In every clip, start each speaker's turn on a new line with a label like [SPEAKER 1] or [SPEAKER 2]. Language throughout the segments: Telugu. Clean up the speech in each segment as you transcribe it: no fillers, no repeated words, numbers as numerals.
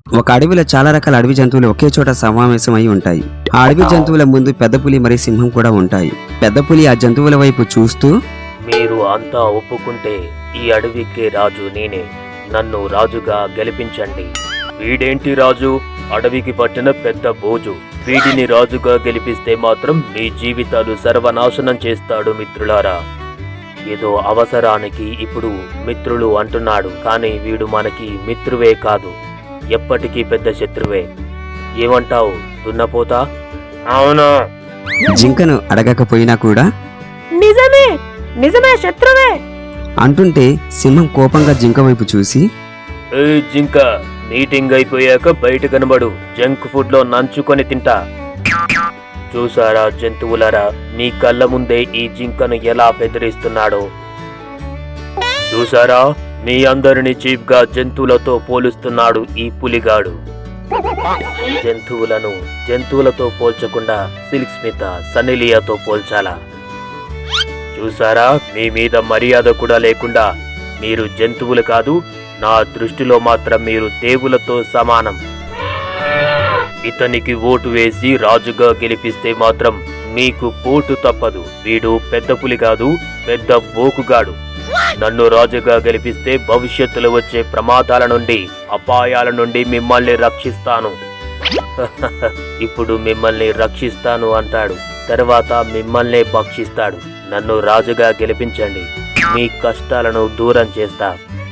[SPEAKER 1] ఒక అడవిలో చాలా రకాల అడవి జంతువులు ఒకే చోట సమావేశం అయి ఉంటాయి. ఆ అడవి జంతువుల ముందు పెద్ద పులి మరియు సింహం కూడా ఉంటాయి. పెద్ద పులి ఆ జంతువుల వైపు చూస్తూ,
[SPEAKER 2] మీరు అంతా ఒప్పుకుంటే ఈ అడవికి రాజు నేనే. నన్ను రాజుగా గెలిపించండి. వీడేంటి రాజు? అడవికి పట్టిన పెద్ద బోజు. వీడిని రాజుగా గెలిపిస్తే మాత్రం మీ జీవితాలు సర్వనాశనం చేస్తాడు మిత్రులారా. ఏదో అవసరానికి ఇప్పుడు మిత్రులు అంటున్నాడు, కానీ వీడు మనకి మిత్రువే కాదు, ఎప్పటికీ పెద్ద శత్రువే. ఏమంటావు దున్నపోతా? అవును.
[SPEAKER 1] జింకను అడగకపోయినా కూడా
[SPEAKER 3] నిజమే నిజమే శత్రువే
[SPEAKER 1] అంటుంటే సింహం కోపంగా జింక వైపు చూసి,
[SPEAKER 2] ఏ జింక, మీటింగ్ అయిపోయాక బయట కనబడు. జంక్ ఫుడ్ లో నంచుకొని తింటా. చూసారా జంతువులారా, మీ కళ్ళ ముందే ఈ జింకను ఎలా బెదిరిస్తున్నాడో. చూసారా, మీ అందరిని చీప్ గా జంతువులతో పోలుస్తున్నాడు ఈ పులిగాడు. జంతువులతో పోల్చకుండా సిల్క్ స్మిత సన్నిలియాతో పోల్చాలా? చూసారా, మీ మీద మర్యాద కూడా లేకుండా. మీరు జంతువులు కాదు, నా దృష్టిలో మాత్రం మీరు దేవులతో సమానం. ఇతనికి ఓటు వేసి రాజుగా గెలిపిస్తే మాత్రం మీకు పోటు తప్పదు. వీడు పెద్ద పులి కాదు, పెద్ద బోకుగాడు. నన్ను రాజుగా గెలిపిస్తే భవిష్యత్తులో వచ్చే ప్రమాదాల నుండి, అపాయాల నుండి మిమ్మల్ని రక్షిస్తాను. ఇప్పుడు మిమ్మల్ని రక్షిస్తాను అంటాడు, తర్వాత మిమ్మల్నే భక్షిస్తాడు. నన్ను రాజుగా గెలిపించండి, మీ కష్టాలను దూరం చేస్తా.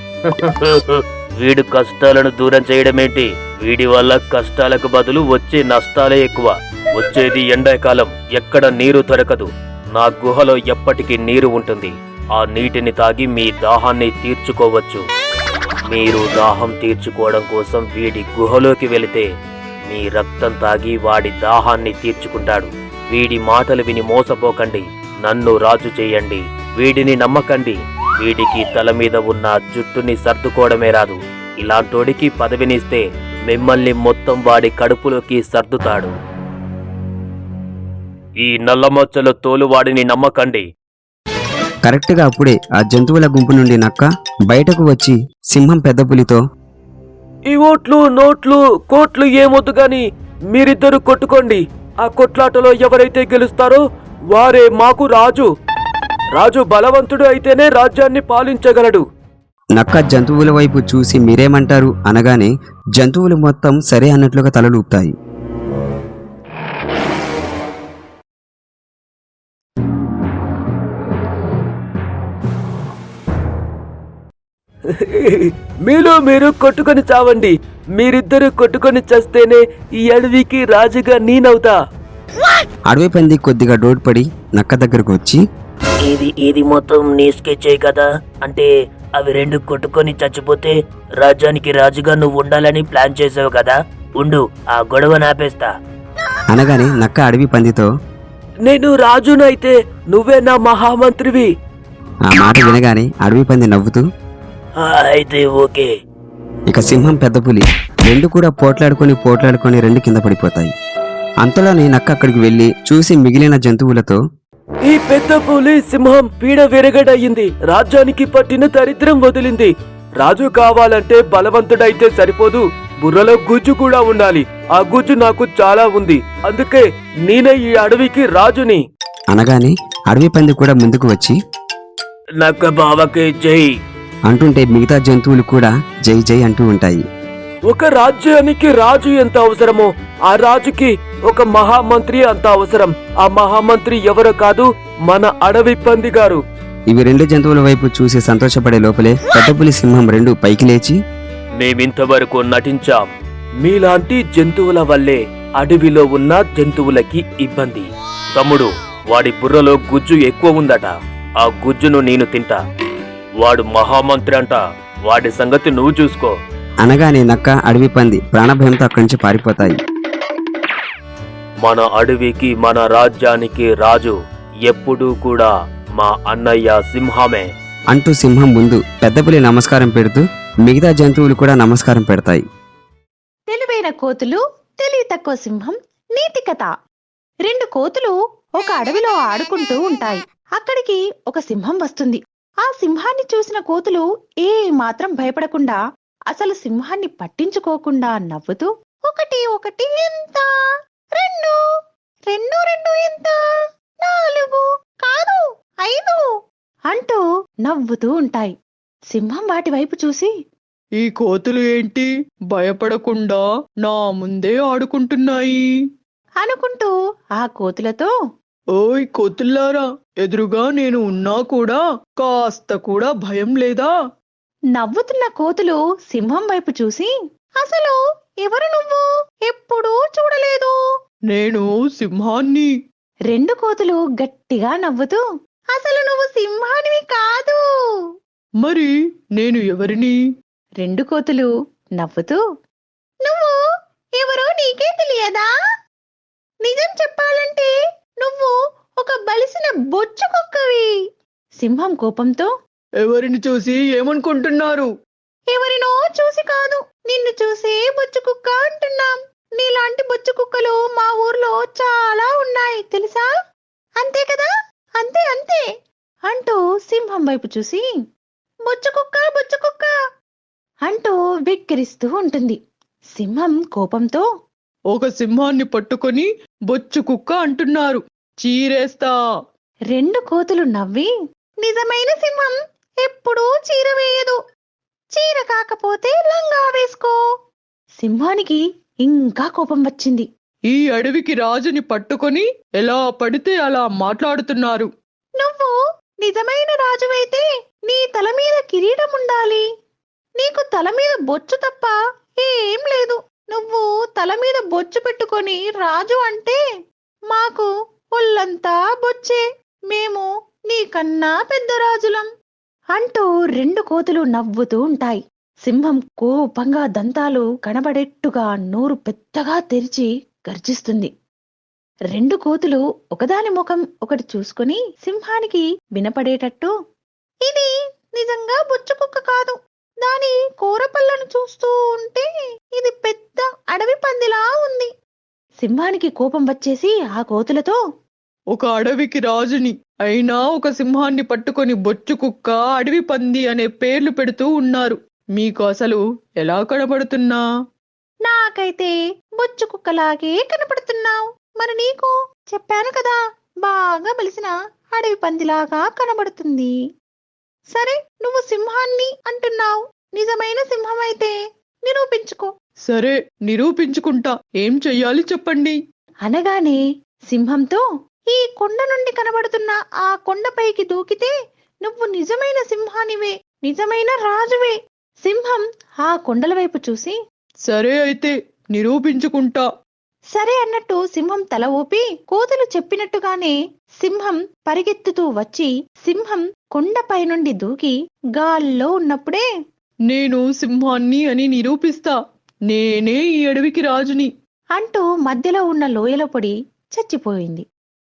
[SPEAKER 2] వీడు కష్టాలను దూరం చేయడమేంటి? వీడి వల్ల కష్టాలకు బదులు వచ్చే నష్టాలే ఎక్కువ. వచ్చేది ఎండాకాలం, ఎక్కడ నీరు దొరకదు. నా గుహలో ఎప్పటికీ నీరు ఉంటుంది. ఆ నీటిని తాగి మీ దాహాన్ని తీర్చుకోవచ్చు. మీరు దాహం తీర్చుకోవడం కోసం వీడి గుహలోకి వెళితే మీ రక్తం తాగి వాడి దాహాన్ని తీర్చుకుంటాడు. వీడి మాటలు విని మోసపోకండి, నన్ను రాజు చేయండి. వీడిని నమ్మకండి. వీడికి తల మీద ఉన్న జుట్టుని సర్దుకోవడమే రాదు. ఇలాంటోడికి పదవినిస్తే మిమ్మల్ని మొత్తం వాడి కడుపులోకి సర్దుతాడు. ఈ నల్లమచ్చల తోలువాడిని నమ్మకండి.
[SPEAKER 1] కరెక్ట్గా అప్పుడే ఆ జంతువుల గుంపు నుండి నక్క బయటకు వచ్చి సింహం పెద్ద పులితో,
[SPEAKER 2] ఈ ఓట్లు నోట్లు కోట్లు ఏమొద్దు గాని మీరిద్దరు కొట్టుకోండి. ఆ కొట్లాటలో ఎవరైతే గెలుస్తారో వారే మాకు రాజు. రాజు బలవంతుడు అయితేనే రాజ్యాన్ని పాలించగలడు.
[SPEAKER 1] నక్క జంతువుల వైపు చూసి మీరేమంటారు అనగానే జంతువులు మొత్తం సరే అన్నట్లుగా తలలూపుతాయి.
[SPEAKER 2] మీలో మీరు కొట్టుకొని చావండి. మీరిద్దరు కొట్టుకొని చస్తేనే ఈ అడవికి రాజుగా నేనవుతా.
[SPEAKER 1] అడవి పంది కొద్దిగా డోడ్పడి నక్క దగ్గరకు వచ్చి,
[SPEAKER 2] ఇది మొత్తం నీ స్కెచే కదా? అంటే అవి రెండు కొట్టుకొని చచ్చిపోతే రాజ్యానికి రాజుగా నువ్వు ఉండాలని ప్లాన్ చేసావు కదా? ఉండు, ఆ గొడవ నాపేస్తా.
[SPEAKER 1] అనగానే నక్క అడవి పందితో,
[SPEAKER 2] నేను రాజునైతే నువ్వే నా మహామంత్రివి.
[SPEAKER 1] ఆ మాట వినగానే అడవి పంది నవ్వుతూ,
[SPEAKER 2] అయితే ఓకే.
[SPEAKER 1] ఇక సింహం పెద్ద పులి రెండు కూడా పోట్లాడుకొని రెండు కింద పడిపోతాయి. అంతలోనే నక్క అక్కడికి వెళ్లి చూసి మిగిలిన జంతువులతో,
[SPEAKER 2] ఈ పెద్ద పులి సింహం పీడ విరగడయింది. రాజ్యానికి పట్టిన దరిద్రం వదిలింది. రాజు కావాలంటే బలవంతుడైతే సరిపోదు, బుర్రలో గుజ్జు కూడా ఉండాలి. ఆ గుజ్జు నాకు చాలా ఉంది, అందుకే నేనే ఈ అడవికి రాజుని.
[SPEAKER 1] అనగానే అడవి పంది కూడా ముందుకు వచ్చి,
[SPEAKER 2] నక్క బావకే జై
[SPEAKER 1] అంటుంటే మిగతా జంతువులు కూడా జై జై అంటూ ఉంటాయి.
[SPEAKER 2] ఒక రాజ్యానికి రాజు ఎంత అవసరమో ఆ రాజుకి ఒక మహామంత్రి అంత అవసరం. ఆ మహామంత్రి ఎవరో కాదు, మన అడవి పంది గారు.
[SPEAKER 1] ఇవి రెండు జంతువుల వైపు చూసి సంతోషపడే లోపలే పెద్ద పులి సింహం రెండు పైకి లేచి,
[SPEAKER 2] మేమింతవరకు నటించాం. మీలాంటి జంతువుల వల్లే అడవిలో ఉన్న జంతువులకి ఇబ్బంది. తమ్ముడు, వాడి బుర్రలో గుజ్జు ఎక్కువ ఉందట. ఆ గుజ్జును నేను తింటా. వాడు మహామంత్రి అంట. వాడి సంగతి నువ్వు చూసుకో.
[SPEAKER 1] అనగానే నక్క అడవి పంది ప్రాణభయంతో అక్కడి నుంచి పారిపోతాయి.
[SPEAKER 2] మన అడవికి మన రాజ్యానికి రాజు ఎప్పుడూ కూడా మా అన్నయ్య సింహమే
[SPEAKER 1] అంటూ సింహం ముందు పెద్ద పులి నమస్కారం పెడుతూ మిగతా జంతువులు కూడా నమస్కారం పెడతాయి.
[SPEAKER 3] తెలివైన కోతులు, తెలివి తక్కువ సింహం నీతి కథ. రెండు కోతులు ఒక అడవిలో ఆడుకుంటూ ఉంటాయి. అక్కడికి ఒక సింహం వస్తుంది. ఆ సింహాన్ని చూసిన కోతులు ఏ మాత్రం భయపడకుండా అసలు సింహాన్ని పట్టించుకోకుండా నవ్వుతూ, ఒకటి ఒకటి ఎంత, రెండు, రెండు రెండు ఎంత, నాలుగు కాదు 5 అంటూ నవ్వుతూ ఉంటాయి. సింహం వాటి వైపు చూసి,
[SPEAKER 4] ఈ కోతులు ఏంటి భయపడకుండా నా ముందే ఆడుకుంటున్నాయి
[SPEAKER 3] అనుకుంటూ ఆ కోతులతో,
[SPEAKER 4] ఓయ్ కోతుల్లారా, ఎదురుగా నేను ఉన్నా కూడా కాస్త కూడా భయం లేదా?
[SPEAKER 3] నవ్వుతున్న కోతులు సింహం వైపు చూసి, అసలు ఎవరు నువ్వు? ఎప్పుడూ చూడలేదు.
[SPEAKER 4] నేను సింహాన్ని.
[SPEAKER 3] 2 కోతులు గట్టిగా నవ్వుతూ, అసలు నువ్వు సింహానివి కాదు.
[SPEAKER 4] మరి నేను ఎవరిని?
[SPEAKER 3] 2 కోతులు నవ్వుతూ, నువ్వు ఎవరో నీకే తెలియదా? నిజం చెప్పాలంటే నువ్వు ఒక బలిసిన బొచ్చు కుక్కవి. సింహం కోపంతో,
[SPEAKER 4] ఎవరిని చూసి ఏమనుకుంటున్నారు?
[SPEAKER 3] ఎవరినో చూసి కాదు, నిన్ను చూసే బొచ్చు కుక్క అంటున్నాం. నీలాంటి బొచ్చు కుక్కలు మా ఊర్లో చాలా ఉన్నాయి తెలుసా? అంతే కదా? అంతే అంతే అంటూ సింహం వైపు చూసి, బొచ్చు కుక్క అంటూ వెక్కిరిస్తూ ఉంటుంది. సింహం కోపంతో,
[SPEAKER 4] ఒక సింహాన్ని పట్టుకొని బొచ్చు కుక్క అంటున్నారు, చీరేస్తా.
[SPEAKER 3] 2 కోతులు నవ్వి, నిజమైన సింహం ఎప్పుడూ చీర వేయదు. చీర కాకపోతే లంగా వేసుకో. సింహానికి ఇంకా కోపం వచ్చింది.
[SPEAKER 4] ఈ అడవికి రాజుని పట్టుకొని ఎలా పడితే అలా మాట్లాడుతున్నారు.
[SPEAKER 3] నువ్వు నిజమైన రాజువైతే నీ తల మీద కిరీటం ఉండాలి. నీకు తల మీద బొచ్చు తప్ప ఏం లేదు. నువ్వు తల మీద బొచ్చు పెట్టుకొని రాజు అంటే మాకు ఒళ్ళంతా బొచ్చే. మేము నీకన్నా పెద్ద రాజులం అంటూ 2 కోతులు నవ్వుతూ ఉంటాయి. సింహం కోపంగా దంతాలు కనబడేట్టుగా నోరు పెద్దగా తెరిచి గర్జిస్తుంది. 2 కోతులు ఒకదాని ముఖం ఒకటి చూసుకుని సింహానికి వినపడేటట్టు, ఇది నిజంగా బొచ్చు కుక్క కాదు. దాని కూరపళ్ళను చూస్తూ ఉంటే ఇది పెద్ద అడవి పందిలా ఉంది. సింహానికి కోపం వచ్చేసి ఆ కోతులతో,
[SPEAKER 4] ఒక అడవికి రాజుని అయినా ఒక సింహాన్ని పట్టుకొని బొచ్చు కుక్క, అడవి పంది అనే పేర్లు పెడుతూ ఉన్నారు. మీకు అసలు ఎలా కనబడుతున్నా?
[SPEAKER 3] నాకైతే బొచ్చు కుక్కలాగే కనపడుతున్నావు. మరి నీకు చెప్పాను కదా, బాగా బలిసిన అడవి పందిలాగా కనబడుతుంది. సరే, నువ్వు సింహాన్ని అంటున్నావు. నిజమైన సింహమైతే నిరూపించుకో.
[SPEAKER 4] సరే, నిరూపించుకుంటా. ఏం చెయ్యాలి చెప్పండి?
[SPEAKER 3] అనగానే సింహంతో, ఈ కొండ నుండి కనబడుతున్న ఆ కొండపైకి దూకితే నువ్వు నిజమైన సింహానివే, నిజమైన రాజువే. సింహం ఆ కొండల వైపు చూసి,
[SPEAKER 4] సరే అయితే నిరూపించుకుంటా.
[SPEAKER 3] సరే అన్నట్టు సింహం తల ఊపి కోతులు చెప్పినట్టుగానే సింహం పరిగెత్తుతూ వచ్చి సింహం కొండపై నుండి దూకి గాల్లో ఉన్నప్పుడే,
[SPEAKER 4] నేను సింహాన్ని అని నిరూపిస్తా. నేనే ఈ అడవికి రాజుని
[SPEAKER 3] అంటూ మధ్యలో ఉన్న లోయలో పడి చచ్చిపోయింది.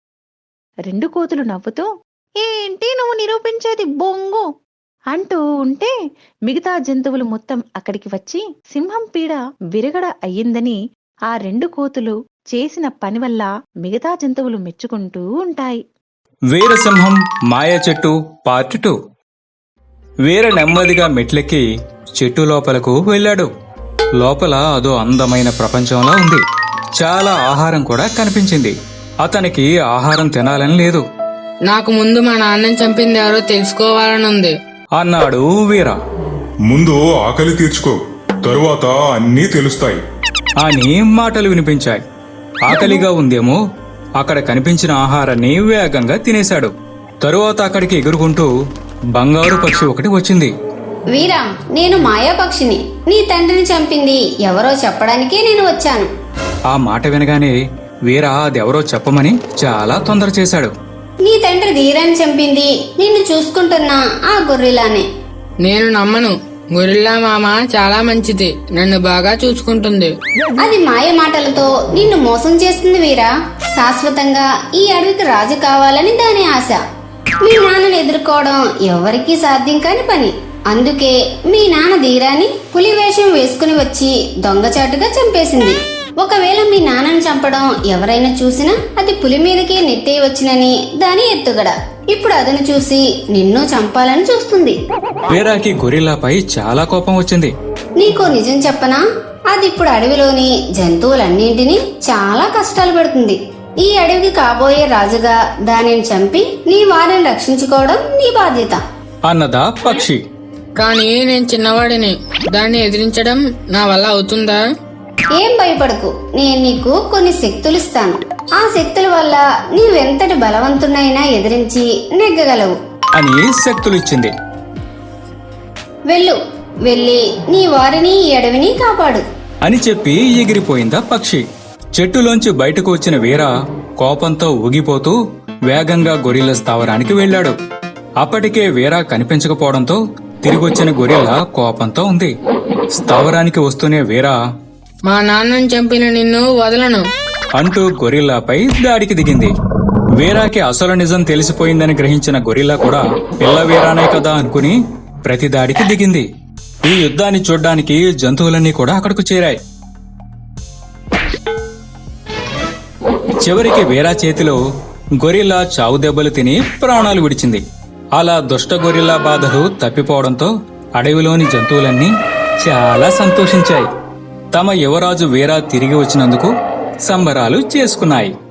[SPEAKER 3] 2 కోతులు నవ్వుతూ, ఏంటి నువ్వు నిరూపించేది బొంగు అంటూ ఉంటే మిగతా జంతువులు మొత్తం అక్కడికి వచ్చి సింహం పీడ విరగడ అయ్యిందని ఆ 2 కోతులు చేసిన పని వల్ల మిగతా జంతువులు మెచ్చుకుంటూ ఉంటాయి.
[SPEAKER 5] వీరసింహం మాయ చెట్టు పార్ట్ 2. వీర నెమ్మదిగా మెట్లెక్కి చెట్టు లోపలకు వెళ్ళాడు. లోపల అదో అందమైన ప్రపంచంలా ఉంది. చాలా ఆహారం కూడా కనిపించింది. అతనికి ఆహారం తినాలని లేదు.
[SPEAKER 6] నాకు ముందు మా నాన్నని చంపింది ఎవరో తెలుసుకోవాలనుంది
[SPEAKER 5] అన్నాడు వీర.
[SPEAKER 7] ముందు ఆకలి తీర్చుకో, తరువాత అన్నీ తెలుస్తాయి
[SPEAKER 5] అని మాటలు వినిపించాయి. ఆకలిగా ఉందేమో అక్కడ కనిపించిన ఆహారాన్ని వేగంగా తినేశాడు. తరువాత అక్కడికి ఎగురుకుంటూ బంగారు పక్షి ఒకటి వచ్చింది.
[SPEAKER 8] వీరా, నేను మాయాపక్షిని. నీ తండ్రిని చంపింది ఎవరో చెప్పడానికే నేను వచ్చాను.
[SPEAKER 5] ఆ మాట వినగానే వీర అదెవరో చెప్పమని చాలా తొందర చేశాడు.
[SPEAKER 8] నీ తండ్రి ధీరాన్ని చంపింది నిన్ను చూసుకుంటున్న ఆ గొర్రెలానే.
[SPEAKER 6] నేను నమ్మను. గొరిల్లా మామ చాలా మంచిది, నన్ను బాగా చూసుకుంటుంది.
[SPEAKER 8] అది మాయ మాటలతో నిన్ను మోసం చేస్తుంది వీరా. శాశ్వతంగా ఈ అడవికి రాజు కావాలని దాని ఆశ. మీ నాన్నను ఎదుర్కోవడం ఎవరికీ సాధ్యం కాని పని. అందుకే మీ నాన్న ధీరాన్ని పులి వేషం వేసుకుని వచ్చి దొంగచాటుగా చంపేసింది. ఒకవేళ మీ నాన్నను చంపడం ఎవరైనా చూసినా అది పులి మీదకే నెట్టేయవచ్చునని దాని ఎత్తుగడ. ఇప్పుడు అదను చూసి నిన్ను చంపాలని చూస్తుంది.
[SPEAKER 5] వీరాకి గొరిల్లాపై చాలా కోపం వచ్చింది.
[SPEAKER 8] నీకో నిజం చెప్పనా, అది ఇప్పుడు అడవిలోని జంతువులన్నింటినీ చాలా కష్టాలు పెడుతుంది. ఈ అడవికి కాబోయే రాజుగా దానిని చంపి నీ వారిని రక్షించుకోవడం నీ బాధ్యత
[SPEAKER 5] అన్నదా పక్షి.
[SPEAKER 6] కానీ నేను చిన్నవాడిని, దాన్ని ఎదిరించడం నా వల్ల అవుతుందా?
[SPEAKER 8] ఏం భయపడకు, నేను నీకు కొన్ని శక్తులు ఇస్తాను. ఆ శక్తుల వల్ల నీవెంతటి బలవంతునైనా ఎదిరించి నెగ్గగలవు
[SPEAKER 5] అని శక్తులిచ్చింది.
[SPEAKER 8] వెళ్ళు, వెళ్ళి నీ వారిని ఈ అడవిని కాపాడు
[SPEAKER 5] అని చెప్పి ఎగిరిపోయిందా పక్షి. చెట్టులోంచి బయటకు వచ్చిన వీర కోపంతో ఊగిపోతూ వేగంగా గొరిల్లా స్థావరానికి వెళ్ళాడు. అప్పటికే వీర కనిపించకపోవడంతో తిరిగొచ్చిన గొరిల్లా కోపంతో ఉంది. స్థావరానికి వస్తూనే వీర
[SPEAKER 6] మా నాన్నని చంపిన నిన్ను వదలను
[SPEAKER 5] అంటూ గొరిల్లాపై దాడికి దిగింది. వీరాకి అసలు నిజం తెలిసిపోయిందని గ్రహించిన గొరిల్లా కూడా పిల్ల వీరానే కదా అనుకుని ప్రతి దాడికి దిగింది. ఈ యుద్ధాన్ని చూడ్డానికి జంతువులన్నీ కూడా అక్కడకు చేరాయి. చివరికి వీరా చేతిలో గొరిల్లా చావు దెబ్బలు తిని ప్రాణాలు విడిచింది. అలా దుష్ట గొరిల్లా బాధలు తప్పిపోవడంతో అడవిలోని జంతువులన్నీ చాలా సంతోషించాయి. తమ యువరాజు వీరా తిరిగి వచ్చినందుకు సంబరాలు చేసుకున్నాయి.